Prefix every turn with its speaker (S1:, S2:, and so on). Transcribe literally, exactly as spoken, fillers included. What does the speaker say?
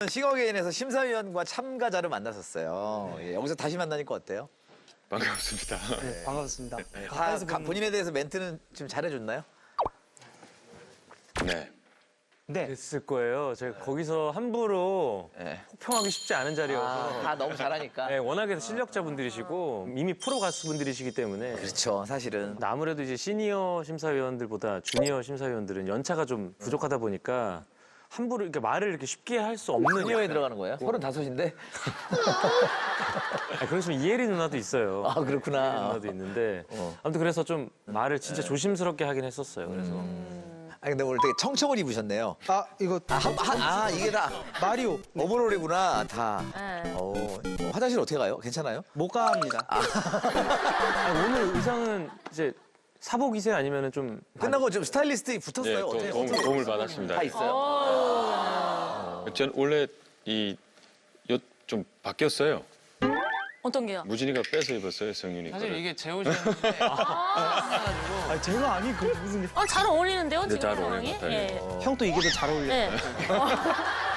S1: 싱어게인에서 심사위원과 참가자를 만났었어요. 예, 여기서 다시 만나니까 어때요?
S2: 반갑습니다.
S3: 네, 반갑습니다.
S1: 다 가- 본인에 대해서 멘트는 지금 잘해줬나요?
S2: 네.
S3: 네.
S4: 됐을 거예요. 제가 거기서 함부로
S1: 네.
S4: 혹평하기 쉽지 않은 자리여서.
S1: 아, 다 너무 잘하니까.
S4: 네, 워낙에 실력자분들이시고 이미 프로 가수분들이시기 때문에.
S1: 그렇죠, 사실은.
S4: 근데 아무래도 이제 시니어 심사위원들보다 주니어 심사위원들은 연차가 좀 부족하다 보니까 함부로 이렇게 말을 이렇게 쉽게 할 수 없는.
S1: 시니어에 들어가는 거예요? 서른다섯인데?
S4: 아, 그러시면 이혜리 누나도 있어요.
S1: 아, 그렇구나.
S4: 이혜리 누나도 있는데.
S1: 어.
S4: 아무튼 그래서 좀 말을 진짜 조심스럽게 하긴 했었어요. 그래서.
S1: 아 근데 오늘 되게 청청을 입으셨네요.
S3: 아, 이거
S1: 아, 한, 한, 아 이게 다
S3: 마리오.
S1: 오버롤이구나, 다.
S5: 네.
S1: 어, 화장실 어떻게 가요? 괜찮아요?
S3: 못 갑니다.
S4: 아, 오늘 의상은 이제 사복이세요? 아니면은 좀.
S1: 끝나고 좀 스타일리스트
S2: 네,
S1: 붙었어요.
S2: 도,
S1: 어때요?
S2: 도움,
S1: 어떻게
S2: 도움을
S1: 붙었어요?
S2: 받았습니다.
S1: 다 있어요?
S2: 전 원래 이 옷 좀 바뀌었어요.
S5: 어떤 게요?
S2: 무진이가 빼서 입었어요, 성윤이
S6: 사실
S2: 거를.
S6: 이게 제 옷이었는데
S3: 아, 제가 아니 그 무슨
S5: 아, 잘 어울리는데요,
S2: 네,
S5: 지금
S2: 잘 어울리는
S5: 상황이?
S2: 것 같아요.
S5: 예.
S3: 형도 이게 더 잘 어울려.
S5: 네.